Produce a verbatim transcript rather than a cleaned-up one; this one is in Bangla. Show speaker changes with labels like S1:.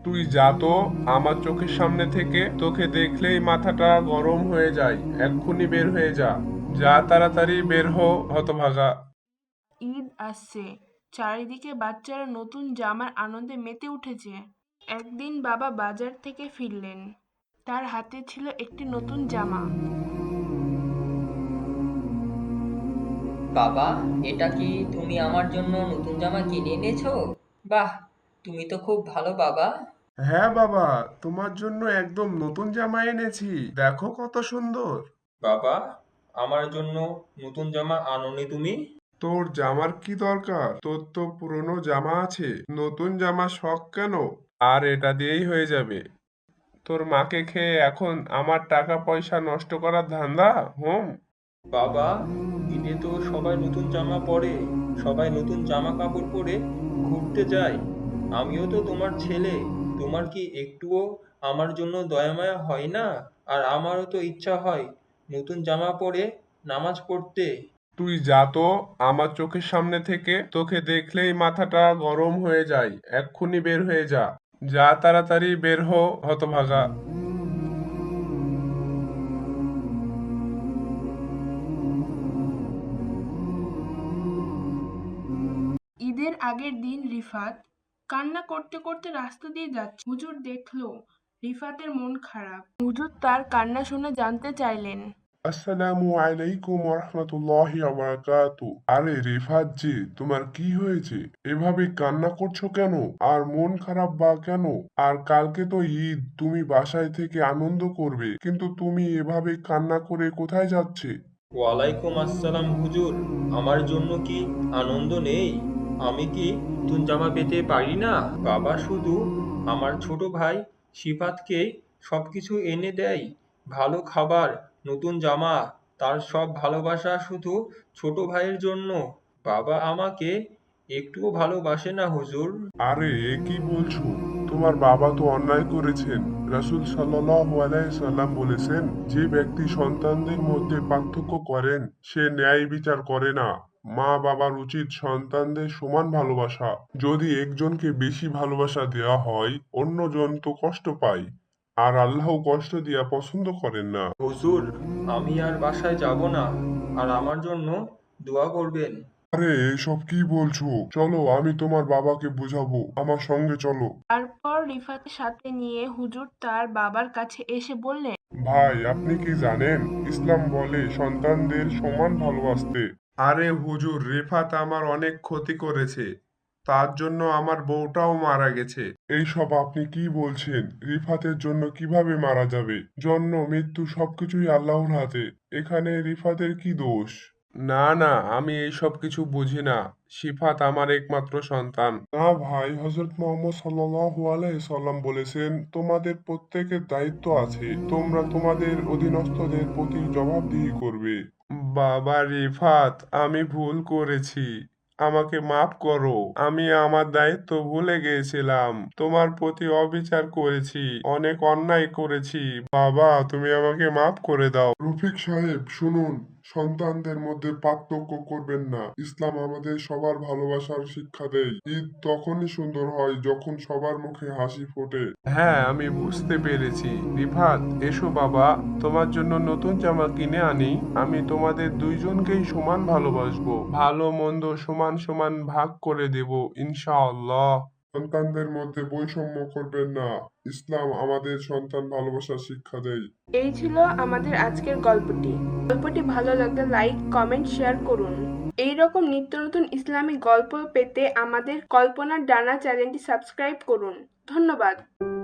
S1: তুই যা তো আমার চোখের সামনে থেকে। তোকে দেখলেই মাথাটা গরম হয়ে যায়। এক্ষুনি বের হয়ে যা। যা, তাড়াতাড়ি বের হ, হতভাগা।
S2: ঈদ আসছে, চারিদিকে বাচ্চারা নতুন জামার আনন্দে মেতে উঠেছে। একদিন বাবা বাজার থেকে ফিরলেন, তার হাতে ছিল একটি নতুন জামা।
S3: বাবা, এটা কি তুমি আমার জন্য নতুন জামা কিনে এনেছো? বাহ, তুমি তো খুব ভালো বাবা।
S1: হ্যাঁ বাবা, তোমার জন্য একদম নতুন জামা এনেছি। দেখো কত সুন্দর।
S4: বাবা, আমার জন্য নতুন জামা আনোনি তুমি?
S1: তোর জামার কি দরকার? তোর তো পুরনো জামা আছে। নতুন জামা শখ কেন? আর এটা দিয়েই হয়ে যাবে। তোর মাকে খেয়ে এখন আমার টাকা পয়সা নষ্ট করার ধান্দা? হুম।
S4: বাবা, ঈদে তো সবাই নতুন জামা পরে, সবাই নতুন জামা কাপড় পরে ঘুরতে যায়। আমিও তো তোমার ছেলে। তোমার কি একটুও আমার জন্য দয়া মায়া হয় না? আর আমারও তো ইচ্ছা হয় নতুন জামা পরে নামাজ পড়তে।
S1: তুই যা তো আমার চোখের সামনে থেকে। তোকে দেখলেই মাথাটা গরম হয়ে যায়। এক্ষুনি বের হয়ে যা। যা, তাড়াতাড়ি বের হ, হতভাগা।
S2: ঈদের আগের দিন রিফাত কান্না করতে করতে রাস্তা দিয়ে যাচ্ছে। হুজুর দেখলো রিফাতের মন খারাপ। হুজুর তার কান্না শুনে জানতে চাইলেন।
S1: আসসালামু আলাইকুম রহমতুল্লাহি বারাকাতু। আরে রিফাত জি, তোমার কি হয়েছে? এভাবে কান্না করছো কেন? আর মন খারাপ বা কেন? আর কালকে তো ঈদ, তুমি বাসায় থেকে আনন্দ করবে, কিন্তু তুমি এভাবে কান্না করে কোথায় যাচ্ছে?
S4: ওয়ালাইকুম আসসালাম হুজুর। আমার জন্য কি আনন্দ নেই? আমি কি নতুন জামা পেতে পারি না? বাবা শুধু আমার ছোট ভাই সিফাতকে সবকিছু এনে দেয়। ভালো খাবার, নতুন জামা, তার সব ভালোবাসা শুধু ছোট ভাইয়ের জন্য। বাবা আমাকে একটুও ভালোবাসে না হুজুর।
S1: আরে এ কি বলছো? তোমার বাবা তো অন্যায় করেছেন। রাসূল সাল্লাল্লাহু আলাইহি সাল্লাম বলেছেন, যে ব্যক্তি সন্তানদের মধ্যে পার্থক্য করেন সে ন্যায় বিচার করে না। মা বাবার উচিত সন্তানদের সমান ভালোবাসা। যদি একজনকে বেশি ভালোবাসা দেওয়া হয়, অন্যজন তো কষ্ট পায়। আর আল্লাহ কষ্ট দিয়া পছন্দ করেন না।
S4: হুজুর, আমি আর বাসায় যাব না। আর আমার জন্য দোয়া করবেন।
S1: আরে এসব কি বলছো? চলো, আমি তোমার বাবাকে বুঝাবো। আমার সঙ্গে চলো।
S2: তারপর রিফাতের সাথে নিয়ে হুজুর তার বাবার কাছে এসে বললেন।
S1: ভাই, আপনি কি জানেন ইসলাম বলে সন্তানদের সমান ভালোবাসতে? আরে হুজুর, রিফাত আমার অনেক ক্ষতি করেছে। তার জন্য আমার বউটাও মারা গেছে। এইসব আপনি কি বলছেন? রিফাতের জন্য কিভাবে মারা যাবে? জন্ম মৃত্যু সবকিছুই আল্লাহর হাতে। এখানে রিফাতের কি দোষ? না না, আমি এইসব কিছু বুঝি না। সিফাত আমার একমাত্র সন্তান। না ভাই, হযরত মুহাম্মদ সাল্লাল্লাহু আলাইহি সাল্লাম বলেছেন, তোমাদের প্রত্যেকের দায়িত্ব আছে। তোমরা তোমাদের অধীনস্থদের প্রতি জবাবদিহি করবে। বাবা রিফাত, আমি ভুল করেছি। আমাকে মাফ করো। আমি আমার দায়িত্ব ভুলে গিয়েছিলাম। তোমার প্রতি অবিচার করেছি, অনেক অন্যায় করেছি। বাবা, তুমি আমাকে মাফ করে দাও। রফিক সাহেব শুনুন, সন্তানদের মধ্যে পার্থক্য করবেন না। ইসলাম আমাদের সবার ভালোবাসার শিক্ষা দেয়। ঈদ তখনই সুন্দর হয় যখন সবার মুখে হাসি ফোটে। হ্যাঁ, আমি বুঝতে পেরেছি। রিফাত, এসো বাবা, তোমার জন্য নতুন জামা কিনে আনি। আমি তোমাদের দুইজনকেই সমান ভালোবাসবো। ভালো মন্দ সমান সমান ভাগ করে দেব ইনশাআল্লাহ। সন্তানদের মধ্যে বৈষম্য করবেন না। ইসলাম আমাদের সন্তান ভালোবাসার শিক্ষা দেয়।
S2: এই ছিল আমাদের আজকের গল্পটি। গল্পটি ভালো লাগলে লাইক, কমেন্ট, শেয়ার করুন। এই রকম নিত্য নতুন ইসলামিক গল্প পেতে আমাদের কল্পনার ডানা চ্যানেলটি সাবস্ক্রাইব করুন। ধন্যবাদ।